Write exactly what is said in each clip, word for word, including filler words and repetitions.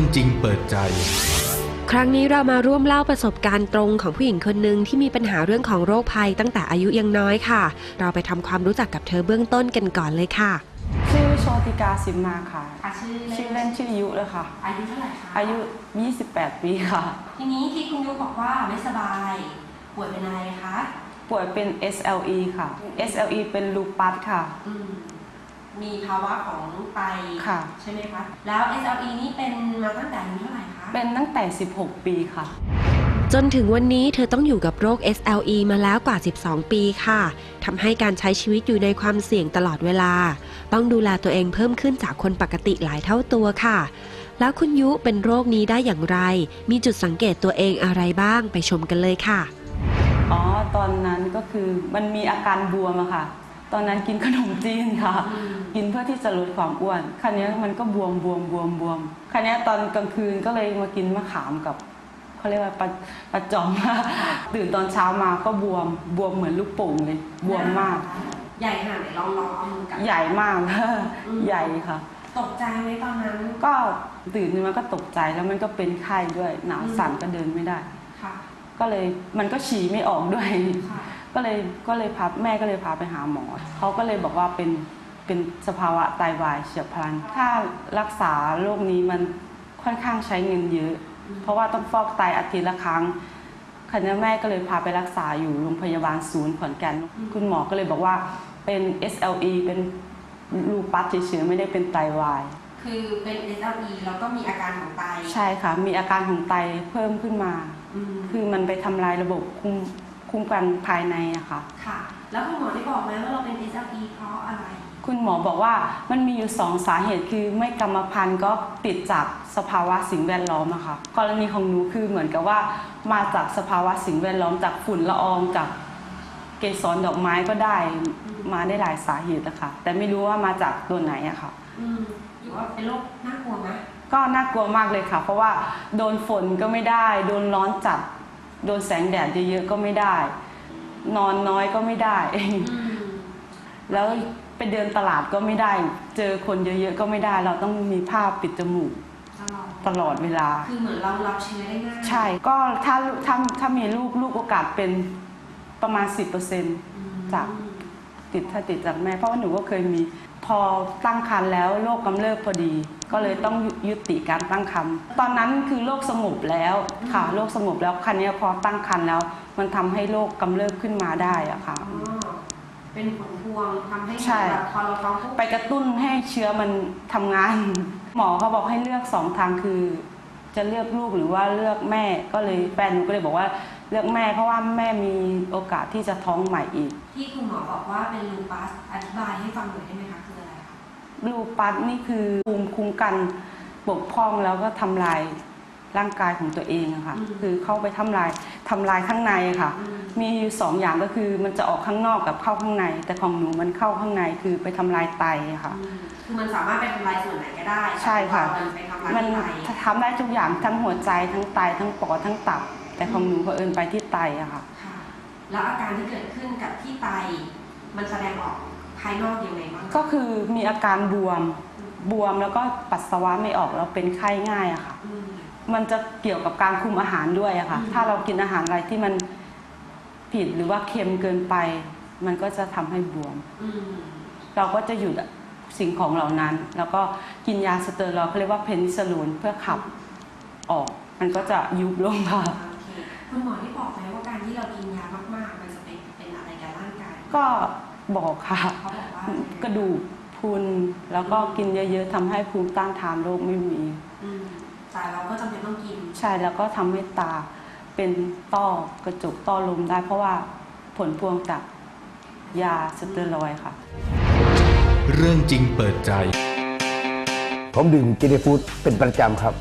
จริงเปิดใจครั้งนี้เรามาร่วมเล่าประสบการณ์ตรงของผู้หญิงคนหนึ่งที่มีปัญหาเรื่องของโรคภัยตั้งแต่อายุยังน้อยค่ะเราไปทำความรู้จักกับเธอเบื้องต้นกันก่อนเลยค่ะชื่อโชติกาสิมมาค่ะชื่อชื่อเล่นชื่อยุเลยค่ะอายุเท่าไหร่คะอายุยี่สิบแปดปีค่ะทีนี้ที่คุณยุบอกว่าไม่สบายป่วยเป็นอะไรคะป่วยเป็น เอส แอล อี ค่ะ เอส แอล อี เป็นลูปัสค่ะมีภาวะของไตใช่ไหมคะแล้ว เอส แอล อี นี่เป็นมาตั้งแต่อายุเท่าไหร่คะเป็นตั้งแต่สิบหกปีค่ะจนถึงวันนี้เธอต้องอยู่กับโรค เอส แอล อี มาแล้วกว่าสิบสองปีค่ะทำให้การใช้ชีวิตอยู่ในความเสี่ยงตลอดเวลาต้องดูแลตัวเองเพิ่มขึ้นจากคนปกติหลายเท่าตัวค่ะแล้วคุณยุเป็นโรคนี้ได้อย่างไรมีจุดสังเกตตัวเองอะไรบ้างไปชมกันเลยค่ะอ๋อตอนนั้นก็คือมันมีอาการบวมอะค่ะตอนนั้นกินขนมจีนค่ะกินเพื่อที่จะลดความอ้วนคราวนี้มันก็บวมบวมบวมบวมคราวนี้ตอนกลางคืนก็เลยมากินมะขามกับเขาเรียกว่าปลาปลาจอมตื่นตอนเช้ามาก็บวมบวมเหมือนลูกโป่งเลยบวมมากใหญ่ขนาดไหนลองลองเอามือกับใหญ่มากใหญ่ค่ะตกใจไหมตอนนั้นก็ตื่นมาก็ตกใจแล้วมันก็เป็นไข้ด้วยหนาวสั่นก็เดินไม่ได้ก็เลยมันก็ฉี่ไม่ออกด้วยก็เลยก็เลยพาแม่ก็เลยพาไปหาหมอเขาก็เลยบอกว่าเป็นเป็นสภาวะไตวายเฉียบพลันถ้ารักษาโรคนี้มันค่อนข้างใช้เงินเยอะเพราะว่าต้องฟอกไตอาทิตย์ละครั้งคราวนี้แม่ก็เลยพาไปรักษาอยู่โรงพยาบาลศูนย์ขอนแก่นคุณหมอก็เลยบอกว่าเป็น เอส แอล อี เป็นลูปัสเฉยๆไม่ได้เป็นไตวายคือเป็น เอส แอล อี แล้วก็มีอาการของไตใช่ค่ะมีอาการของไตเพิ่มขึ้นมาคือมันไปทำลายระบบคุมคุมกันภายในอะค่ะค่ะแล้วคุณหมอได้บอกไหมว่าเราเป็น เอส แอล อี เพราะอะไรคุณหมอบอกว่ามันมีอยู่สองสาเหตุคือไม่กรรมพันธุ์ก็ติดจากสภาวะสิ่งแวดล้อมอะค่ะกรณีของหนูคือเหมือนกับว่ามาจากสภาวะสิ่งแวดล้อมจากฝุ่นละอองจากเกสรดอกไม้ก็ได้มาได้หลายสาเหตุอะค่ะแต่ไม่รู้ว่ามาจากตัวไหนอะค่ะอืมหรือว่าเป็นโรคน่ากลัวไหมก็น่ากลัวมากเลยค่ะเพราะว่าโดนฝนก็ไม่ได้โดนร้อนจัดโดนแสงแดดเยอะๆก็ไม่ได้นอนน้อยก็ไม่ได้แล้วไปเดินตลาดก็ไม่ได้เจอคนเยอะๆก็ไม่ได้เราต้องมีผ้าปิดจมูกตลอดเวลาคือเหมือนเรารับเชื้อได้ง่ายใช่ก็ถ้าถ้าถ้ามีลูกลูกโอกาสเป็นประมาณ สิบเปอร์เซ็นต์ จากติดถ้าติดจากแม่เพราะว่าหนูก็เคยมีพอตั้งครรภ์แล้วโรคกำเริบพอดีก็เลยต้องยุติการตั้งครรภ์ตอนนั้นคือโรคสงบแล้วค่ะโรคสงบแล้วคราวนี้พอตั้งครรภ์แล้วมันทำให้โรคกำเริบขึ้นมาได้อะค่ะเป็นผลพวงทำให้พอเราท้องไปกระตุ้นให้เชื้อมันทำงานหมอเขาบอกให้เลือกสองทางคือจะเลือกลูกหรือว่าเลือกแม่ก็เลยแฟนหนูก็เลยบอกว่าเลือกแม่เพราะว่าแม่มีโอกาสที่จะท้องใหม่อีกที่คุณหมอบอกว่าเป็นลูปัสอธิบายให้ฟังหน่อยได้ไหมคะคืออะไรคะลูปัสนี่คือภูมิคุ้มกันบกพร่องแล้วก็ทำลายร่างกายของตัวเองอะค่ะคือเข้าไปทำลายทำลายข้างในค่ะมีอยู่สองอย่างก็คือมันจะออกข้างนอกกับเข้าข้างในแต่ของหนูมันเข้าข้างในคือไปทำลายไตค่ะคือมันสามารถไปทำลายส่วนไหนก็ได้ใช่ค่ะมันทำได้ทุกอย่างทั้งหัวใจทั้งไตทั้งปอดทั้งตับแต่ของหนูเผอิญไปที่ไตอะค่ะแล้วอาการที่เกิดขึ้นกับที่ไตมันแสดงออกภายนอกยังไงบ้างก็คือมีอาการบวมบวมแล้วก็ปัสสาวะไม่ออกแล้วเป็นไข้ง่ายอะค่ะมันจะเกี่ยวกับการคุมอาหารด้วยอะค่ะถ้าเรากินอาหารอะไรที่มันผิดหรือว่าเค็มเกินไปมันก็จะทำให้บวมเราก็จะหยุดสิ่งของเหล่านั้นแล้วก็กินยาสเตียรอยด์เขาเรียกว่าเพนิซิลลินเพื่อขับออกมันก็จะยุบลงค่ะคุณหมอที่บอกไหมว่าการที่เรากินยามากๆมันจะเป็นเป็นอะไรกับร่างกายก็บอกค่ะกระดูกพรุนแล้วก็กินเยอะๆทำให้ภูมิต้านทานโรคไม่มีแต่เราก็จำเป็นต้องกินใช่แล้วก็ทำให้ตาเป็นต้อกระจกต้อลมได้เพราะว่าผลพวงจากยาสเตียรอยด์ค่ะเรื่องจริงเปิดใจผมดื่มเจนี่ฟู้ดเป็นประจำครับ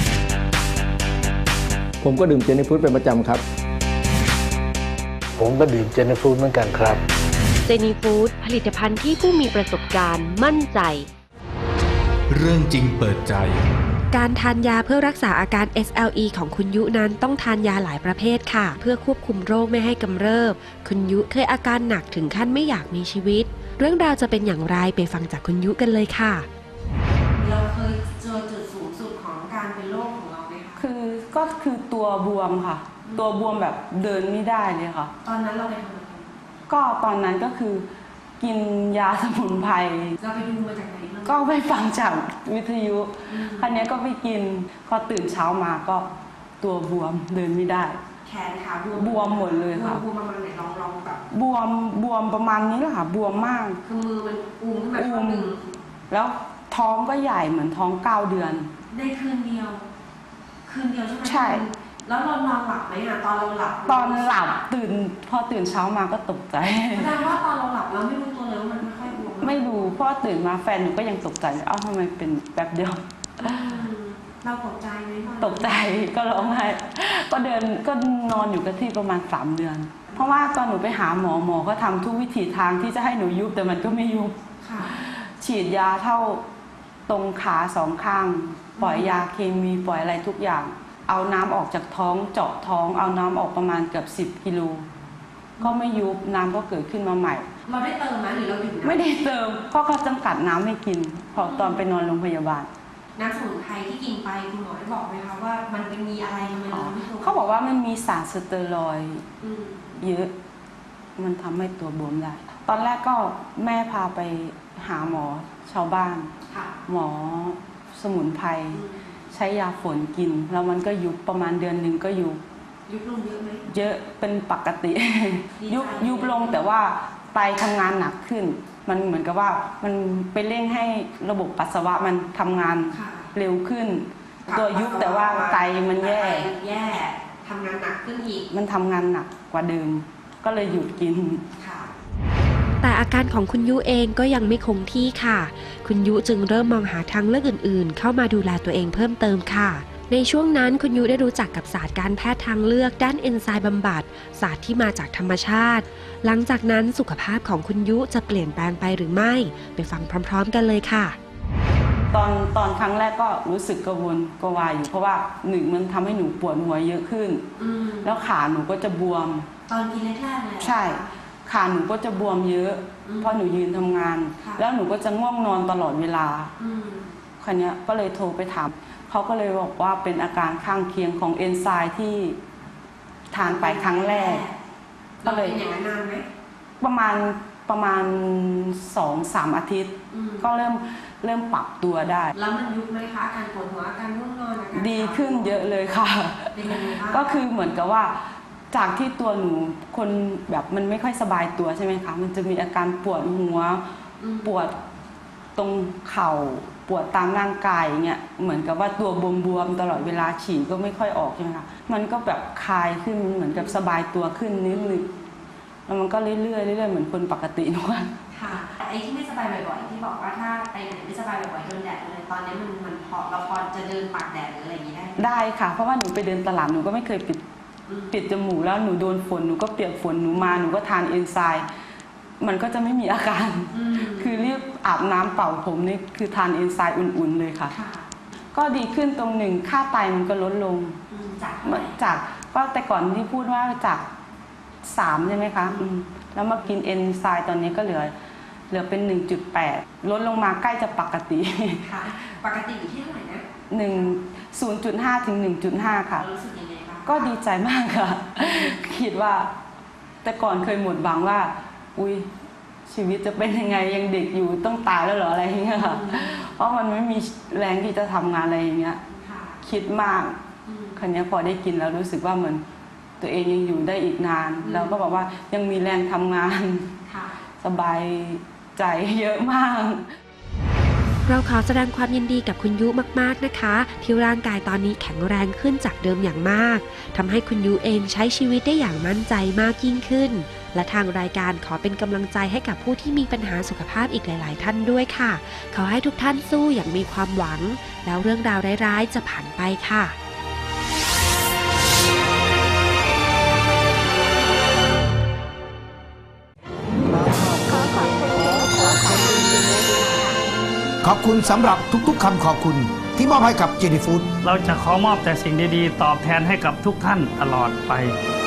ผมก็ดื่มเจนี่ฟู้ดเป็นประจำครับผมก็ดื่มเจนี่ฟู้ดเหมือนกันครับเจนี่ฟู้ดผลิตภัณฑ์ที่ผู้มีประสบการณ์มั่นใจเรื่องจริงเปิดใจการทานยาเพื่อรักษาอาการ เอส แอล อี ของคุณยุนั้นต้องทานยาหลายประเภทค่ะเพื่อควบคุมโรคไม่ให้กำเริบคุณยุเคยอาการหนักถึงขั้นไม่อยากมีชีวิตเรื่องราวจะเป็นอย่างไรไปฟังจากคุณยุกันเลยค่ะเราเคยเจอจุดสูงสุดของการเป็นโรคคือตัวบวมค่ะ ตัวบวมแบบเดินไม่ได้เลยค่ะตอนนั้นเราไปทำอะไรก็ตอนนั้นก็คือกินยาสมุนไพรเราไปดูมาจากไหนบ้างก็ไปฟังจากวิทยุครั้นี้ก็ไปกินพอตื่นเช้ามาก็ตัวบวมเดินไม่ได้แขนขาบวมบวมหมดเลยค่ะบวมประมาณไหนลองลองแบบบวมบวมประมาณนี้แหละค่ะบวมมากคือมือมันอูมขึ้นมาข้างหนึ่งแล้วท้องก็ใหญ่เหมือนท้องเก้าเดือนได้คืนเดียว คืนเดียวใช่ไหมใช่แล้วเรานอนหลับไหมอะตอนเราหลับตอนหลับตื่นพอตื่นเช้ามาก็ตกใจแสดงว่าตอนเราหลับเราไม่รู้ตัวเลยว่ามันไม่ค่อยบวมไม่รู้เพราะตื่นมาแฟนหนูก็ยังตกใจเอ้าทำไมเป็นแบบเดียวอืมเราตกใจไหมตอนนั้นตกใจก็ร้องไห้ก็เดินก็นอนอยู่กับที่ประมาณสามเดือน เพราะว่าตอนหนูไปหาหมอหมอก็ทำทุกวิถีทางที่จะให้หนูยุบแต่มันก็ไม่ยุบค่ะฉีดยาเท่าตรงขาสองข้าง ปล่อยยาเคมีปล่อยอะไรทุกอย่าง เอาน้ำออกจากท้องเจาะท้องเอาน้ำออกประมาณเกือบสิบกิโลก็ไม่ยุบน้ำก็เกิดขึ้นมาใหม่เราได้เติมไหมหรือเราดื่มน้ำไม่ได้เติมเพราะเขาจำกัดน้ำให้กินพอตอนไปนอนโรงพยาบาลน้ำสมุนไพรที่กินไปคุณหมอได้บอกไหมคะว่ามันเป็นมีอะไรทำไมเราไม่ถูกเขาบอกว่ามันมีสารสเตียรอยด์อืมเยอะมันทำให้ตัวบวมได้ ตอนแรกก็แม่พาไปหาหมอชาวบ้านค่ะหมอสมุนไพรอืมใช้ยาฝนกิน แล้วมันก็ยุบประมาณเดือนหนึ่งก็ยุบยุบลงเยอะไหมเยอะเป็นปกติดีใจยุบยุบลงแต่ว่าไตทำงานหนักขึ้น มันเหมือนกับว่ามันไปเร่งให้ระบบปัสสาวะมันทำงานค่ะเร็วขึ้น ตัวยุบแต่ว่าไตมันแย่ไตมันแย่ทำงานหนักขึ้นอีกมันทำงานหนักกว่าเดิม ก็เลยหยุดกินค่ะแต่อาการของคุณยุเองก็ยังไม่คงที่ค่ะ คุณยุจึงเริ่มมองหาทางเลือกอื่นๆ เข้ามาดูแลตัวเองเพิ่มเติมค่ะ ในช่วงนั้นคุณยุได้รู้จักกับศาสตร์การแพทย์ทางเลือกด้านเอนไซม์บำบัดศาสตร์ที่มาจากธรรมชาติ หลังจากนั้นสุขภาพของคุณยุจะเปลี่ยนแปลงไปหรือไม่ ไปฟังพร้อมๆกันเลยค่ะตอนตอนครั้งแรกก็รู้สึกกังวลกวายอยู่เพราะว่าหนึ่งมันทำให้หนูปวดหัวเยอะขึ้นอืมแล้วขาหนูก็จะบวมตอนกินแรกๆเลยใช่ ขาหนูก็จะบวมเยอะอืมเพราะหนูยืนทำงานค่ะแล้วหนูก็จะง่วงนอนตลอดเวลาอืมคราวเนี้ยก็เลยโทรไปถามเขาก็เลยบอกว่าเป็นอาการข้างเคียงของเอนไซม์ที่ทานไปครั้งแรกเราเป็นอย่างนั้นนานไหมประมาณประมาณสองสามอาทิตย์อืมก็เริ่มเริ่มปรับตัวได้แล้วมันยุบไหมคะอาการปวดหัวอาการง่วงนอนอาการดีขึ้นเยอะเลยค่ะเป็นยังไงบ้างก็คือเหมือนกับว่าจากที่ตัวหนูคนแบบมันไม่ค่อยสบายตัวใช่ไหมคะ มันจะมีอาการปวดหัวอืมปวดตรงเข่าปวดตามร่างกายอย่างเงี้ยเหมือนกับว่าตัวบวมๆตลอดเวลาฉี่ก็ไม่ค่อยออกใช่ไหมคะมันก็แบบคลายขึ้นเหมือนกับสบายตัวขึ้นนิดนึงแล้วมันก็เรื่อยๆเรื่อยๆเหมือนคนปกติทุกวันค่ะไอ้ที่ไม่สบายบ่อยๆที่บอกว่าถ้าไปไหนไม่สบายบ่อยๆโดนแดดเลยตอนนี้มันมันพอเราพอจะเดินปากแดดหรืออะไรอย่างนี้ได้ไหมได้ค่ะ เพราะว่าหนูไปเดินตลาดหนูก็ไม่เคยปิดอืมปิดจมูกแล้วหนูโดนฝนหนูก็เปียกฝนหนูมาหนูก็ทานเอนไซม์มันก็จะไม่มีอาการอืมคือรีบอาบน้ำเป่าผมนี่คือทานเอนไซม์อุ่นๆเลยค่ะค่ะก็ดีขึ้นตรงหนึ่งค่าไตมันก็ลดลงอืมจากเท่าไหร่จากก็แต่ก่อนที่พูดว่าจากสามใช่ไหมคะอืมแล้วมากินเอนไซม์ตอนนี้ก็เหลือเหลือเป็น หนึ่งจุดแปด ลดลงมาใกล้จะปกติค่ะ ปกติอยู่ที่เท่าไหร่นะหนึ่ง ศูนย์จุดห้า ถึง หนึ่งจุดห้า ค่ะเรารู้สึกยังไงบ้างก็ดีใจมากค่ะ คิดว่า แต่ก่อนเคยหมดหวังว่า อุ้ยชีวิตจะเป็นยังไงยังเด็กอยู่ต้องตายแล้วเหรออะไรอย่างเงี้ยค่ะ เพราะมันไม่มีแรงที่จะทำงานอะไรอย่างเงี้ยค่ะคิดมากอืมครั้นี้พอได้กินแล้วรู้สึกว่าเหมือนตัวเองยังอยู่ได้อีกนานอืมแล้วก็บอกว่ายังมีแรงทำงานค่ะสบายใจเยอะมากเราขอแสดงความยินดีกับคุณยุมากๆนะคะ ที่ร่างกายตอนนี้แข็งแรงขึ้นจากเดิมอย่างมากทำให้คุณยุเองใช้ชีวิตได้อย่างมั่นใจมากยิ่งขึ้น และทางรายการขอเป็นกำลังใจให้กับผู้ที่มีปัญหาสุขภาพอีกหลาย ๆ ท่านด้วยค่ะ ขอให้ทุกท่านสู้อย่างมีความหวัง แล้วเรื่องราวร้ายๆจะผ่านไปค่ะขอบคุณสำหรับทุกๆคำขอบคุณที่มอบให้กับเจนี่ฟู้ดเราจะขอมอบแต่สิ่งดีๆ ตอบแทนให้กับทุกท่านตลอดไป